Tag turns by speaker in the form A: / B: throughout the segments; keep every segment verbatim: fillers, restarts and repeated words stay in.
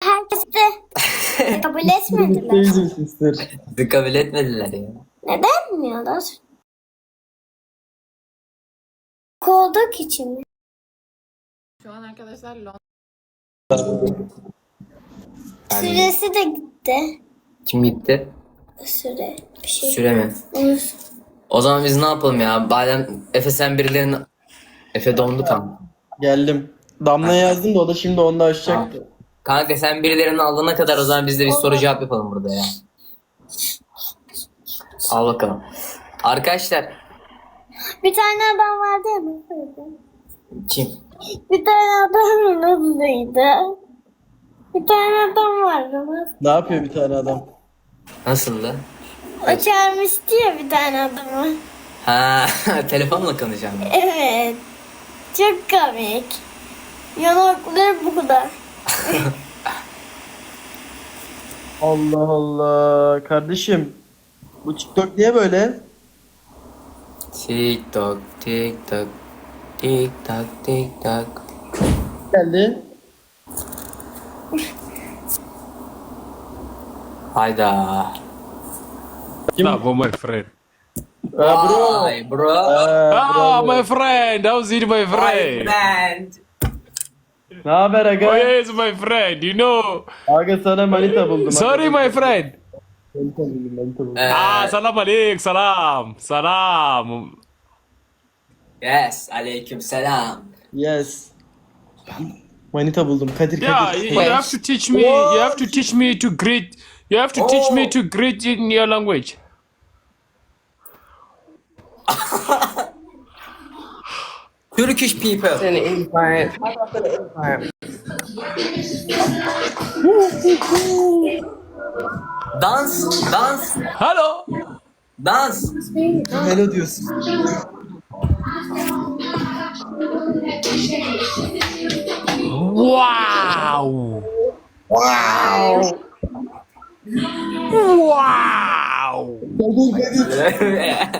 A: Herkes de kabul etmediler.
B: Teyze sister.
C: Bizi kabul etmediler ya.
A: Neden bilmiyorlar? Kolduk için mi?
D: Şu an arkadaşlar Londra.
A: Süresi de gitti.
C: Kim gitti?
A: Süre. Bir şey.
C: Süre mi?
A: Unut.
C: O zaman biz ne yapalım ya? Badem Efe sen birilerini... Efe dondu tam.
B: Geldim. Damla'ya yazdım da o da şimdi onu da açacaktı.
C: Kanka sen birilerini alana kadar o zaman biz de bir soru cevap yapalım burada ya. Al bakalım. Arkadaşlar.
A: Bir tane adam vardı ya. Nasıldı?
C: Kim?
A: Bir tane adam nasılydı? Bir tane adam vardı. Nasıl?
B: Ne yapıyor bir tane adam?
C: Nasıldı?
A: O çağırmıştı ya bir tane adamı.
C: Ha, telefonla konuşacağım.
A: Evet. Çok komik. Yanakları bu kadar.
B: Allah Allah. Kardeşim. Bu TikTok niye böyle?
C: Tik tok, tik tok, tik tok, tik tok.
B: Geldi.
C: Hayda.
E: Bravo, my friend.
B: Aa, bro.
C: Vay bro.
B: Aa,
E: Ah,
B: bravo.
E: my friend. How's it, my friend?
C: friend.
B: Ne haber
E: Oh,
B: aga?
E: yes, my friend. You know.
B: Aga sana manita buldum.
E: Sorry, my friend.
B: Manita buldum, manita buldum.
C: Ee,
E: Ah, salam alaikum. Salam. Salam.
C: yes, aleyküm selam.
B: Yes. Manita buldum. Kadir
E: Yeah,
B: Kadir.
E: you, you have to teach me. You have to teach me to greet. You have to teach me
C: Oh.
E: to greet in your language.
C: Turkish people.
F: An invite. How about an invite?
C: Dans, dans,
E: Hello.
C: dans.
B: Hello diyorsun.
E: Wow. Wow. Wow.
B: Kadir Kadir.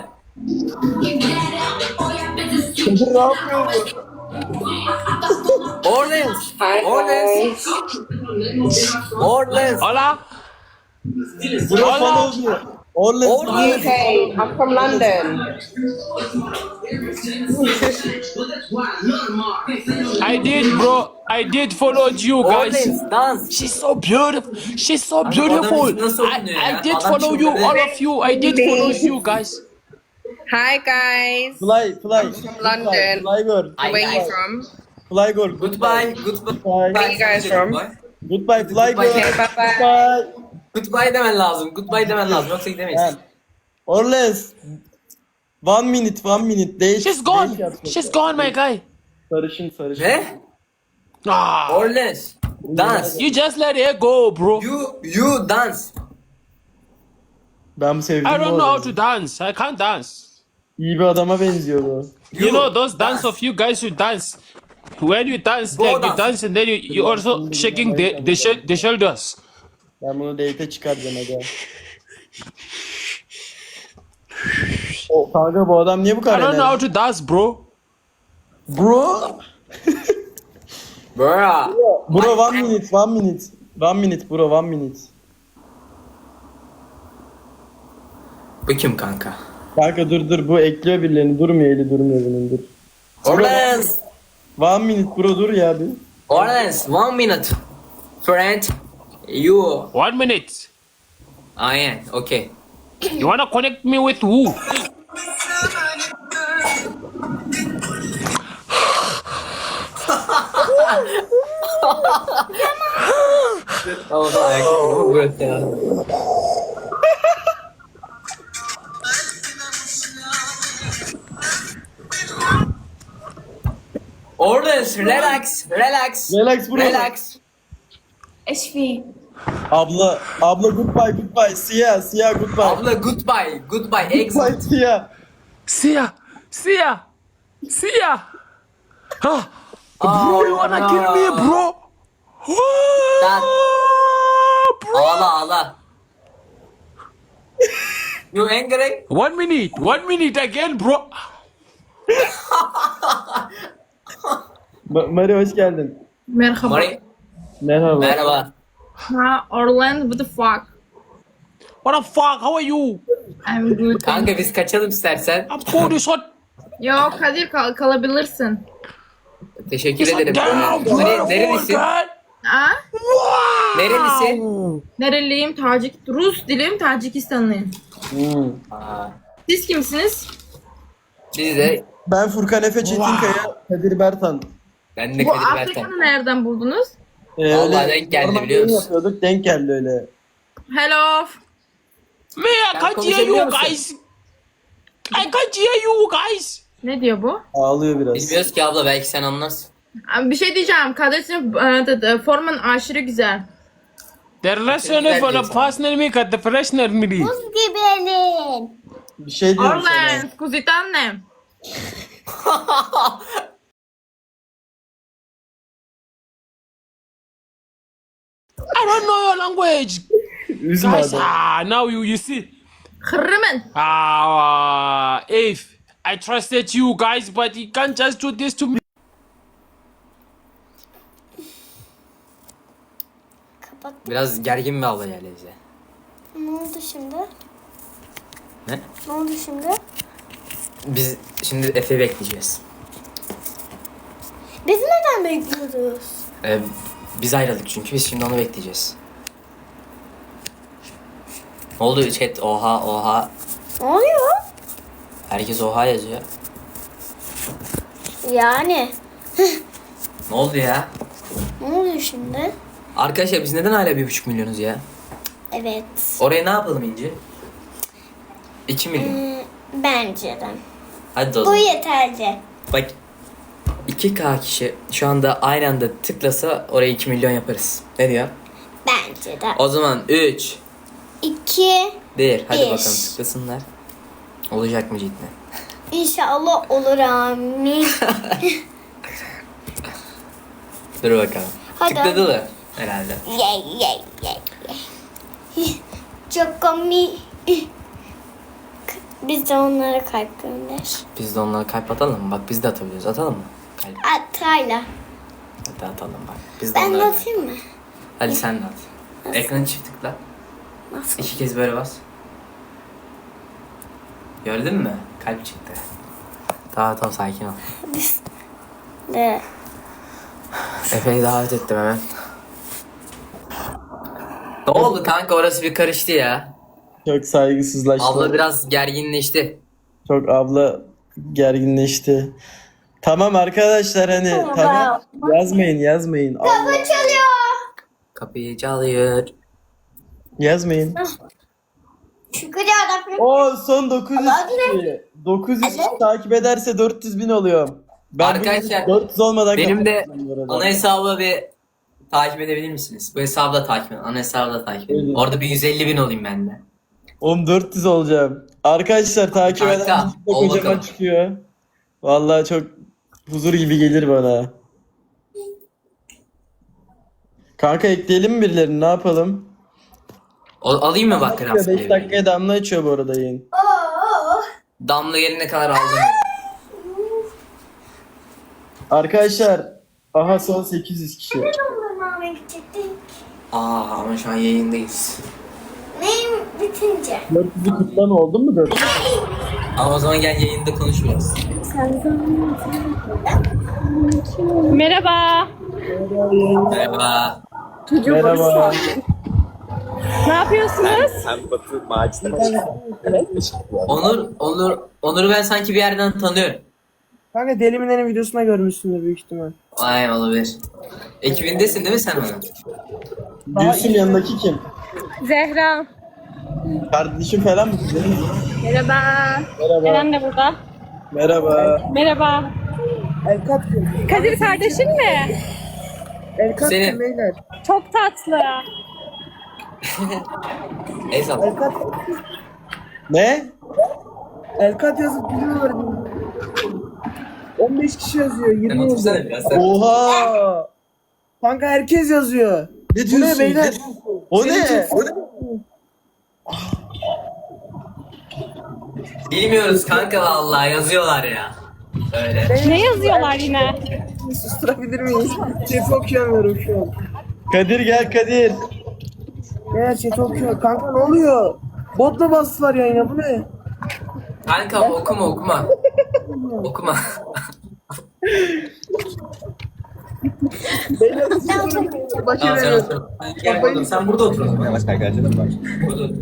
B: Kadir ne yapıyor bu?
C: Orleans,
F: Hi
C: Orleans,
F: guys.
C: Orleans.
E: Hola.
B: Bro
E: Hola.
B: follow diyor. Orleans.
C: Orleans.
F: U K. I'm from London.
E: I did, bro. I did follow you guys.
C: Orleans, dans.
E: She's so beautiful. She's so
C: Abi,
E: beautiful.
C: adam nasıl
E: I,
C: oynuyor ya?
E: I did
C: Adam
E: follow you,
C: çıldırdı.
E: all of you. I did follow you guys.
F: Hi guys.
B: Fly fly.
F: London.
B: Fly, fly girl.
C: Ay,
F: Where
C: ay.
F: you from?
B: Fly girl.
C: Goodbye, goodbye.
B: Bye.
F: Where you guys from?
B: Goodbye fly girl.
F: Okay, bye bye.
B: Goodbye.
C: Goodbye demen lazım. Goodbye demen lazım. Yoksa gidemeyiz.
B: Ha. Orleans. One minute, one minute. Değiş.
E: She's gone.
B: değiş yapma.
E: She's gone, my guy.
B: Sarışın sarışın.
C: Ne?
E: Ah,
C: Orleans. Dans.
E: you just let her go, bro.
C: You, you dance.
B: Ben sevdim
E: I
B: bu
E: don't know how
B: adamı.
E: to dance. I can't dance.
B: İyi bir adama benziyor bu.
E: You know those dance of you guys who dance. When you dance,
C: Go
E: like you
C: dance.
E: dance and then you you also shaking the the, sh- the shoulders.
B: Ben bunu date'e çıkaracağım aga. O kanka bu adam niye bu
E: I
B: kadar
E: don't know how
B: enerjik?
E: to dance, bro.
B: Bro.
C: Bro.
B: Bro one minute, one minute. One minute bro, one minute.
C: Bu kim kanka?
B: Kanka dur dur bu ekliyor birilerini. Durmuyor eli durmuyor bunun dur.
C: Orleans.
B: One minute bro dur ya bir.
C: Orleans. One minute. Friend. You.
E: One minute.
C: Aynen. Okay.
E: You wanna connect me with who?
C: Tamam tamam. Ayakkabı bırak ya. Orleans. Relax. Relax.
B: Relax bro.
C: Relax.
A: Eşfi.
B: Abla, abla goodbye goodbye. Siyah, siyah goodbye.
C: Abla goodbye. Goodbye.
B: Goodbye
C: Exit.
B: siyah.
E: See ya. See ya. See ya. Huh?
C: Oh,
E: Bro, you wanna
C: no.
E: kill me, bro?
C: That-
E: Bro.
C: Ağla ağla. You angry?
E: One minute. One minute again, bro.
B: Ma- Mari hoş geldin.
F: Merhaba.
C: Mari.
B: Merhaba.
C: Merhaba.
D: Ha, Orlando, what the fuck?
E: What the fuck? How are you?
D: I'm good.
C: Kanka biz kaçalım istersen.
E: I'm cool. You shot.
D: Yok Kadir kal kalabilirsin.
C: Teşekkür
E: You
C: ederim.
E: shot down.
C: Nere-
E: Beautiful
C: nerelisin?
E: girl.
D: Ha?
C: Nerelisin?
D: Nereliyim? Tacik, Rus dilim, Tacikistanlıyım.
B: Hmm.
C: Aa,
D: Siz kimsiniz?
C: biz de
B: Ben Furkan Efe Çetinkaya, Kadir Bertan.
C: ben de
D: Bu
C: Kadir Bertan.
D: Afrika'nı nereden buldunuz?
B: Ee,
C: Vallahi denk geldi,
B: normal
C: biliyor
B: yayın
C: musun?
B: yapıyorduk, denk geldi öyle.
D: Hello.
E: Me, I
C: Sen
E: can't hear
C: konuşabiliyor
E: you
C: musun?
E: guys. I can't hear you guys.
D: Ne diyor bu?
B: Ağlıyor biraz.
C: Bilmiyoruz ki abla, belki sen anlarsın.
D: Abi bir şey diyeceğim. Kardeşim e, de- de- forman aşırı güzel.
E: The relationship for the personal make at the professional meeting.
A: Buz gibisin.
B: Bir şey diyorum sana.
D: Orlan, kuzitannem.
E: I don't know your language.
B: Üzme
E: Guys,
B: adam.
E: ah, now you you see.
D: Hırrımın.
E: Ah, if I trusted you guys, but you can't just do this to me.
A: Kapat.
C: Biraz gergin bir abla geldi bize.
A: Ne oldu şimdi?
C: Ne?
A: Ne oldu şimdi?
C: Biz şimdi Efe'yi bekleyeceğiz.
A: Biz neden bekliyoruz?
C: Ee, biz ayrıldık çünkü, biz şimdi onu bekleyeceğiz. Ne oldu chat? Oha oha.
A: Ne oluyor?
C: Herkes oha yazıyor.
A: Yani.
C: Ne oldu ya?
A: Ne oluyor şimdi?
C: Arkadaşlar biz neden hala bir buçuk milyonuz ya?
A: Evet.
C: Oraya ne yapalım İnci? İki milyon.
A: Ee, bence de.
C: Hadi o
A: Bu
C: zaman.
A: yeterli.
C: Bak, iki K kişi şu anda aynı anda tıklasa oraya iki milyon yaparız. Ne diyor?
A: Bence de.
C: O zaman üç,
A: İki.
C: bir. Hadi
A: Bir.
C: bakalım tıklasınlar. Olacak mı cidden?
A: İnşallah olur amin.
C: Dur bakalım.
A: Hadi.
C: Tıkladılar herhalde.
A: Yey yey yey yey. Çok komik. Biz de onlara kalp gönder.
C: Biz de onlara kalp atalım mı? Bak biz de atabiliyoruz. Atalım mı? Kalp.
A: Atayla.
C: Hadi atalım bak. Biz de
A: Ben de
C: onlara.
A: atayım mı?
C: Hadi sen de at. Ekranı çift tıkla.
A: Nasıl?
C: İki kez böyle bas. Gördün mü? Kalp çıktı. Tamam tamam, sakin ol.
A: Biz de.
C: Efe'yi davet ettim hemen. Ne oldu kanka, orası bir karıştı ya.
B: Çok saygısızlaştı.
C: Abla biraz gerginleşti.
B: Çok abla gerginleşti. Tamam arkadaşlar, hani tamam. Yazmayın yazmayın. Allah.
A: Çalıyor.
C: Kapıyı çalıyor.
B: Yazmayın.
A: Şükür yarabbim.
B: O son dokuz yüz kişi. dokuz yüz kişi
A: Evet.
B: takip ederse dört yüz bin oluyorum. Ben
C: Arkadaşlar,
B: bugün dört yüz olmadan
C: benim de
B: kapatacağım bu arada.
C: ana hesabı bir takip edebilir misiniz? Bu hesabı da takip edin. Ana hesabı da takip edin.
B: Evet.
C: Orada bir yüz elli bin olayım ben de.
B: Oğlum dört yüz olacağım. Arkadaşlar takip
C: Kanka,
B: eden
C: ol
B: kocaman
C: bakalım.
B: çıkıyor. Vallahi çok huzur gibi gelir bana. Kanka ekleyelim mi birilerini, ne yapalım?
C: O, alayım mı bak
B: beş
C: rastgele?
B: dakikaya Damla açıyor bu arada yayın.
C: Damla gelene kadar aldım.
B: Arkadaşlar aha son sekiz yüz kişi.
A: Dondurmama gidecektik.
C: Aa ama şu an yayındayız.
A: Neyim bitince?
B: dört yüzü kutlan oldu mu dört yüz?
C: Ama o zaman gel yayında konuşuyoruz.
G: Merhaba.
C: Merhaba.
B: Merhaba.
G: Ne yapıyorsunuz?
C: Onur, Onur, Onur'u ben sanki bir yerden tanıyorum.
H: Kanka Deli Mine'nin videosuna görmüşsündür büyük ihtimal.
C: Ay olabilir. Ekibindesin değil mi sen onun?
B: Gülsüm yanındaki kim?
G: Zehra.
B: Kardeşim falan mı?
G: Merhaba.
B: Merhaba.
G: Eren de burada.
B: Merhaba.
G: Merhaba.
H: Elkat kim?
G: Kadir kardeşin mi?
H: Elkat
C: Senin.
H: kim beyler?
G: Çok tatlı.
C: Eyvallah.
H: Elkat,
B: Ne?
H: Elkat yazıp gidiyorlar. on beş kişi yazıyor.
C: Sen
H: yirmi
C: otursana
H: yazıyor.
C: biraz sen.
B: Oha!
H: Kanka herkes yazıyor.
B: Ne
H: Bu
B: diyorsun?
H: ne beyler?
B: O ne? O ne?
C: Bilmiyoruz kanka, vallahi yazıyorlar ya. Öyle.
G: Ne yazıyorlar yine?
H: Susturabilir miyiz? Chat'i okuyamıyorum şu an.
B: Kadir gel Kadir.
H: Beyler chat okuyor. Kanka ne oluyor? Botla bastılar yayına, bu ne?
C: Kanka okuma okuma. Okuma.
H: Beyler siz sorun. Başa
C: Tamam sen
H: veriyorum.
C: otur. Gel oğlum sen burada otur o zaman. Başka arkadaşlarım var. Burada otur.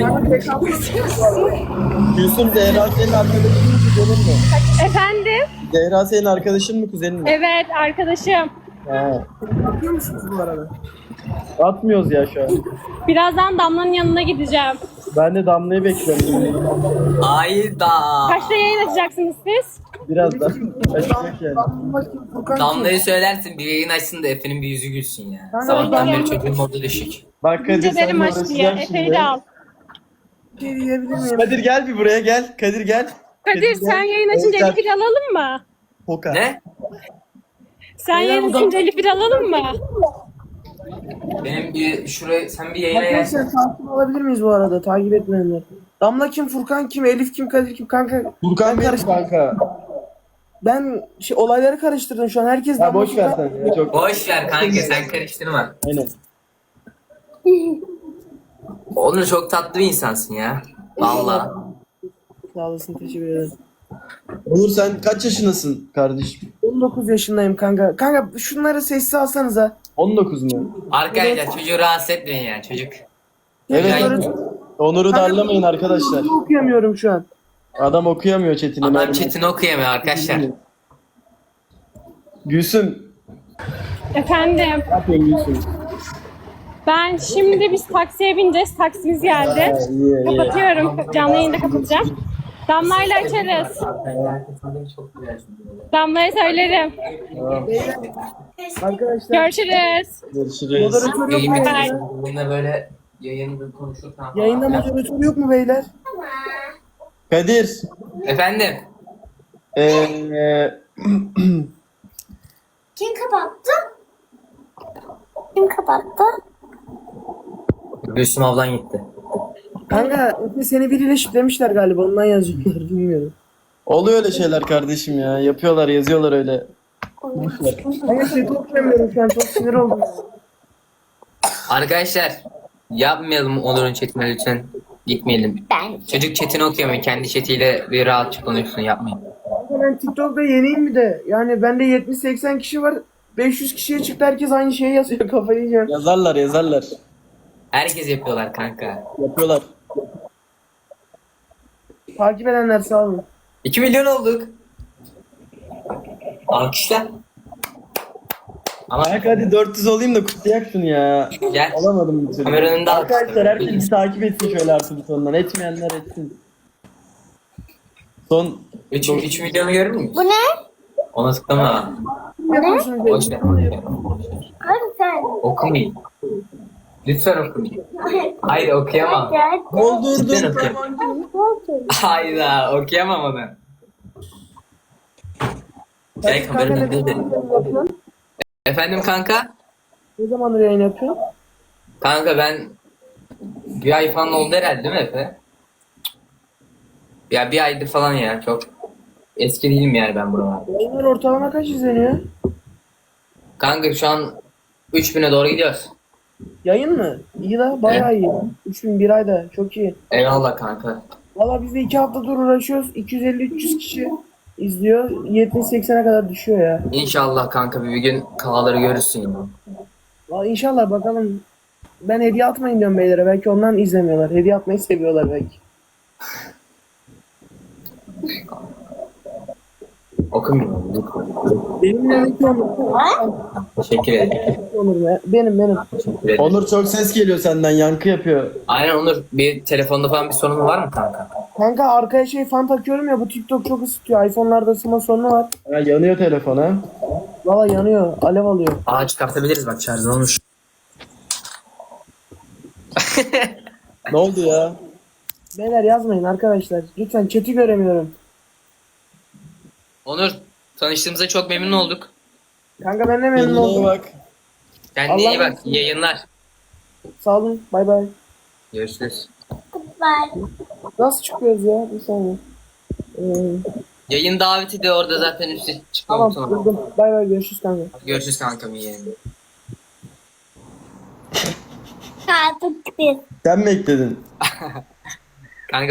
B: Gülsüm Zehra senin arkadaşın mı kuzenin mi?
G: Efendim?
B: Zehra senin arkadaşın mı kuzenin mi?
G: Evet arkadaşım.
B: Ha.
H: Bakıyor musunuz bu arada?
B: Atmıyoruz ya şu an.
G: Birazdan Damla'nın yanına gideceğim.
B: Ben de Damla'yı bekliyorum.
C: Ayda.
G: Kaçta yayın açacaksınız siz?
B: Birazdan. Açacak yani.
H: Bakayım Furkan kim?
C: Damla'yı söylersin bir yayın açsın da Efe'nin bir yüzü gülsün ya.
H: Kanka,
C: Sabahtan
H: ben-
C: beri çocuğun modu düşük.
B: Bak Kadir
G: Önce
B: sen
G: benim
B: de
G: aç diye.
B: uğraşacağım
G: Efe'yi
B: şimdi.
G: de al.
H: Bir şey diyebilir miyim?
B: Kadir gel bir buraya gel. Kadir gel.
G: Kadir sen yayın açınca
B: Evet,
G: Elif'i de alalım mı?
B: Poka.
C: Ne?
G: Sen
H: Beyler,
G: yayın
H: bu da-
G: açınca Elif'i de alalım mı?
C: Benim bir şuraya sen bir yayına gel.
H: Arkadaşlar takip alabilir miyiz bu arada? Takip etmeyenler. Damla kim, Furkan kim, Elif kim, Kadir kim? Kanka
B: Furkan
H: ben
B: benim
H: karış-
B: kanka.
H: Ben şey, olayları karıştırdım şu an. Herkes
B: Ya
H: Damla
B: boş ver
H: Furkan.
B: sen ya çok.
C: Boş ver kanka sen karıştırma.
B: Aynen.
C: Onur çok tatlı bir insansın ya. Vallahi.
H: Sağ olasın, teşekkür ederim.
B: Onur sen kaç yaşındasın kardeşim?
H: on dokuz yaşındayım kanka. Kanka şunları sessiz alsanıza.
B: on dokuz mu?
C: Arkadaşlar çocuğu rahatsız etmeyin ya çocuk.
B: Evet.
C: Yani-
B: Onur'u darlamayın arkadaşlar.
H: Okuyamıyorum şu an.
B: Adam okuyamıyor chatini.
C: Adam
B: merhaba.
C: chatini okuyamıyor arkadaşlar.
B: Gülsüm.
G: Efendim.
B: Ne yapıyorsun Gülsüm?
G: Ben şimdi biz taksiye bineceğiz. Taksimiz geldi.
B: Ha, iyi iyi.
G: Kapatıyorum. Canlı yayında kapatacağım. Damla'yla açarız. Damla'ya söylerim.
B: Tamam.
H: Arkadaşlar.
G: Görüşürüz.
B: Görüşürüz.
H: Moderatör yok mu?
G: Bye.
C: Bununla böyle yayını konuşurken falan.
H: Yayında moderatör yok mu beyler?
B: Kadir.
C: Efendim.
B: Eee
A: Kim kapattı? Kim kapattı?
C: Gülsüm ablan gitti.
H: Kanka Efe seni biriyle şiplemişler galiba, ondan yazıyorlar bilmiyorum.
B: oluyor öyle şeyler kardeşim ya. Yapıyorlar, yazıyorlar öyle.
H: Kanka şey okuyamıyorum şu an, çok sinir oldum.
C: Arkadaşlar yapmayalım Onur'un chatine lütfen. Gitmeyelim.
A: Ben.
C: Çocuk chatini okuyamıyor. Kendi chatiyle bir rahatça konuşsun yapmayın.
H: Kanka ben TikTok'ta yeniyim bir de. Yani bende yetmiş seksen kişi var. beş yüz kişiye çıktı, herkes aynı şeyi yazıyor, kafayı yiyeceğim.
B: Yazarlar, yazarlar.
C: Herkes yapıyorlar kanka.
B: Yapıyorlar.
H: Takip edenler sağ olun.
C: iki milyon olduk. Alkışlar. Ama
B: Kanka hadi dört yüz olayım da kutlayak şunu ya.
C: gel.
B: Alamadım bir türlü.
C: Kameranın da
B: Arkadaşlar herkes bir takip etsin şöyle artık sonundan. Etmeyenler etsin. Son
C: üç milyonu görür müyüz?
A: Bu ne?
C: Ona tıklama.
H: Ne yapıyorsunuz
C: Boş
H: beyler?
C: ver.
A: Hadi sen.
C: Okumayın. Lütfen okumayın. Hayır okuyamam.
A: Gel.
B: doldurdum.
C: Lütfen okuyamam. Hayda okuyamam onu. Gel
H: Kanka
C: kameranın
H: ne
C: önünde.
H: zaman yapıyorsun?
C: Efendim kanka?
H: Ne zamandır yayın yapıyorsun?
C: Kanka ben bir ay falan oldu herhalde değil mi Efe? Ya bir aydır falan ya çok eski değilim yani ben buralarda.
H: Yayınlar ortalama kaç izleniyor?
C: Kanka şu an üç bine doğru gidiyoruz.
H: Yayın mı? İyi la, bayağı iyi. üç bin bir ayda, çok iyi.
C: Eyvallah kanka.
H: Valla biz de iki haftadır uğraşıyoruz. iki yüz elli üç yüz kişi izliyor. yetmiş seksene kadar düşüyor ya.
C: İnşallah kanka bir gün kağları görürsün ya.
H: Valla inşallah, bakalım. Ben hediye atmayın diyorum beylere. Belki ondan izlemiyorlar. Hediye atmayı seviyorlar belki.
C: Okumuyorum lütfen.
H: Benim yanımdaki Onur.
C: Teşekkür ederim.
H: Onur be. Benim benim.
C: Teşekkür ederim.
B: Onur çok ses geliyor senden, yankı yapıyor.
C: Aynen Onur bir telefonda falan bir sorun var mı kanka?
H: Kanka arkaya şey fan takıyorum ya, bu TikTok çok ısıtıyor. iPhone'larda ısınma sorunu var.
B: Ha, yanıyor telefon ha.
H: Valla yanıyor. Alev alıyor.
C: Aa çıkartabiliriz bak şarjı olmuş.
B: Ne oldu ya?
H: Beyler yazmayın arkadaşlar. Lütfen chat'i göremiyorum.
C: Onur tanıştığımıza çok memnun olduk.
H: Kanka ben de memnun
B: Kendine iyi
H: oldum.
B: bak.
C: Kendine iyi
H: Allah
C: bak. İyi yayınlar.
H: Sağ olun. Bay bay.
C: Görüşürüz.
A: Goodbye.
H: Nasıl çıkıyoruz ya? Bir saniye. Ee,
C: Yayın daveti de orada zaten üstte çıkma
H: tamam
C: butonu var.
H: durdum. Bay bay, görüşürüz kanka.
C: Görüşürüz kankam iyi yayınlar.
A: Artık bir.
B: Sen mi ekledin?